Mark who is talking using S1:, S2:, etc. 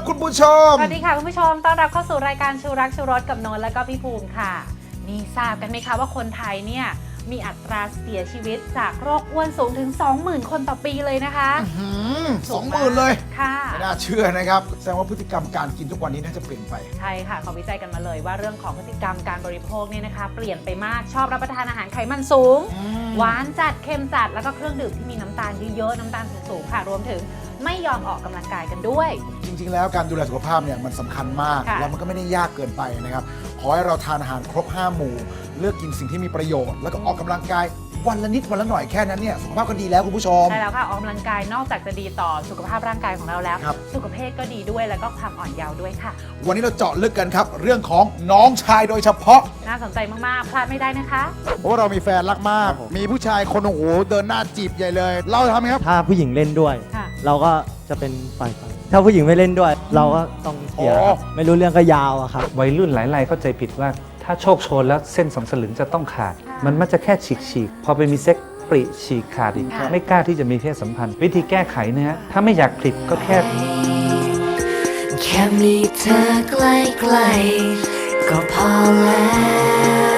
S1: คุณผู้ชม
S2: สวัสดีค่ะคุณผู้ชมต้อนรับเข้าสู่รายการชูรักชูรสกับนนท์และก็พี่ภูมิค่ะนี่ทราบกันไหมคะว่าคนไทยเนี่ยมีอัตราเสียชีวิตจากโรคอ้วนสูงถึง 20,000 คนต่อปีเลยนะคะ
S1: 20,000เลย
S2: ค่ะ
S1: ไม่น่าเชื่อนะครับแสดงว่าพฤติกรรมการกินทุกวันนี้น่าจะเปลี่ยนไป
S2: ใช่ค่ะเขาวิจัยกันมาเลยว่าเรื่องของพฤติกรรมการบริโภคเนี่ยนะคะเปลี่ยนไปมากชอบรับประทานอาหารไขมันสูงหวานจัดเค็มจัดแล้วก็เครื่องดื่มที่มีน้ำตาลเยอะๆน้ำตาลสูงๆค่ะรวมถึงไม่ยอมออกกำลังกายกันด้วย
S1: จริงๆแล้วการดูแลสุขภาพเนี่ยมันสำคัญมากแล้วมันก็ไม่ได้ยากเกินไปนะครับขอให้เราทานอาหารครบ5 หมู่เลือกกินสิ่งที่มีประโยชน์แล้วก็ออกกำลังกายวันละนิดวันละหน่อยแค่นั้นเนี่ยสุขภาพก็ดีแล้วคุณผู้ชม
S2: ใช่แล้วค่ะออกกำลังกายนอกจากจะดีต่อสุขภาพร่างกายของเราแล้วสุขภาพก็ดีด้วยแล้วก็ความอ่อนเยาว์ด้วยค่ะ
S1: วันนี้เราเจาะลึกกันครับเรื่องของน้องชายโดยเฉพาะ
S2: น่าสนใจมากๆพลาดไม่ได้นะคะ
S1: เพราะว่าเรามีแฟนรักมากมีผู้ชายคนโอ้โหเดินหน้าจีบใหญ่เลยเราทำไงครับ
S3: ถ้าผู้หญิงเล่นด้วยเราก็จะเป็นฝ่ายถ้าผู้หญิงไม่เล่นด้วยเราก็ต้องเสียไม่รู้เรื่องก็ยาวอะครับ
S4: วัยรุ่นหลายรายเข้าใจผิดว่าถ้าโชคโชนแล้วเส้น2 สลึงจะต้องขาดมันมักจะแค่ฉีกพอไปมีเซ็กปริฉีกขาดอีกไม่กล้าที่จะมีเพศสัมพันธ์วิธีแก้ไขนะฮะถ้าไม่อยากผลิตก็แค่
S5: มีเธอใกล้ๆก็พอแล้ว